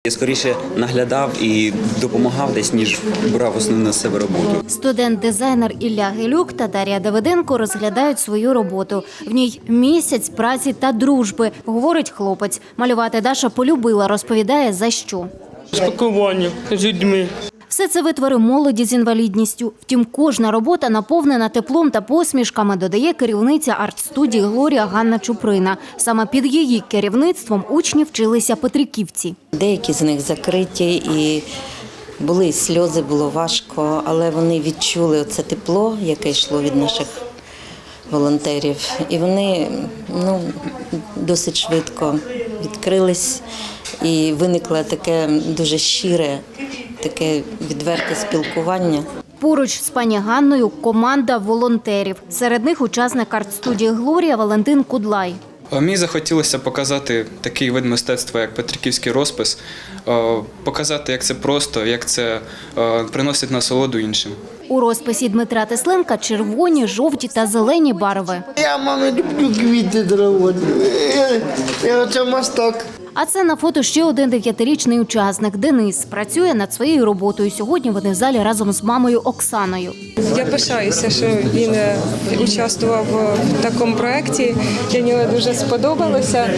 Я скоріше наглядав і допомагав десь, ніж брав основну на себе роботу. Студент-дизайнер Ілля Гелюк та Дар'я Давиденко розглядають свою роботу. В ній місяць праці та дружби, говорить хлопець. Малювати Даша полюбила, розповідає, за що. Спілкування з людьми. Все це витвори молоді з інвалідністю. Втім, кожна робота наповнена теплом та посмішками, додає керівниця арт-студії «Глорія» Ганна Чуприна. Саме під її керівництвом учні вчилися петриківці. Деякі з них закриті і були сльози, було важко, але вони відчули це тепло, яке йшло від наших волонтерів. І вони досить швидко відкрились і виникло таке дуже щире, таке відверте спілкування. Поруч з пані Ганною команда волонтерів. Серед них учасник арт-студії «Глорія» Валентин Кудлай. Мені захотілося показати такий вид мистецтва, як петриківський розпис, показати, як це просто, як це приносить насолоду іншим. У розписі Дмитра Тесленка червоні, жовті та зелені барви. Я, мама, люблю квіти дорогоні. Це мастак. А це на фото ще один 9-річний учасник – Денис. Працює над своєю роботою. Сьогодні вони в залі разом з мамою Оксаною. Я пишаюся, що він участвував в такому проєкті. Для нього дуже сподобалося.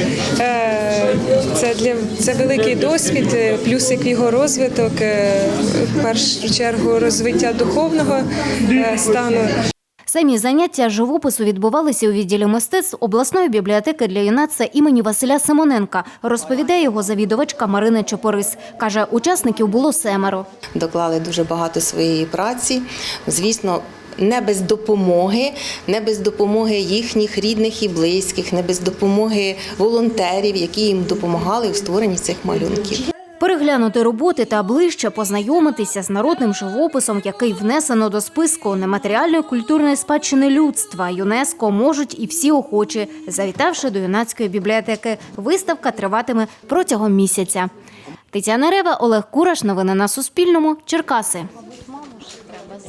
Це великий досвід, плюсик в його розвиток, в першу чергу розвиття духовного стану. Самі заняття живопису відбувалися у відділі мистецтв обласної бібліотеки для юнацтва імені Василя Симоненка, розповідає його завідувачка Марина Чопорис. Каже, учасників було 7. Доклали дуже багато своєї праці. Звісно, не без допомоги їхніх рідних і близьких, не без допомоги волонтерів, які їм допомагали у створенні цих малюнків. Переглянути роботи та ближче познайомитися з народним живописом, який внесено до списку нематеріальної культурної спадщини людства ЮНЕСКО, можуть і всі охочі, завітавши до юнацької бібліотеки. Виставка триватиме протягом місяця. Тетяна Рева, Олег Кураш. Новини на Суспільному. Черкаси.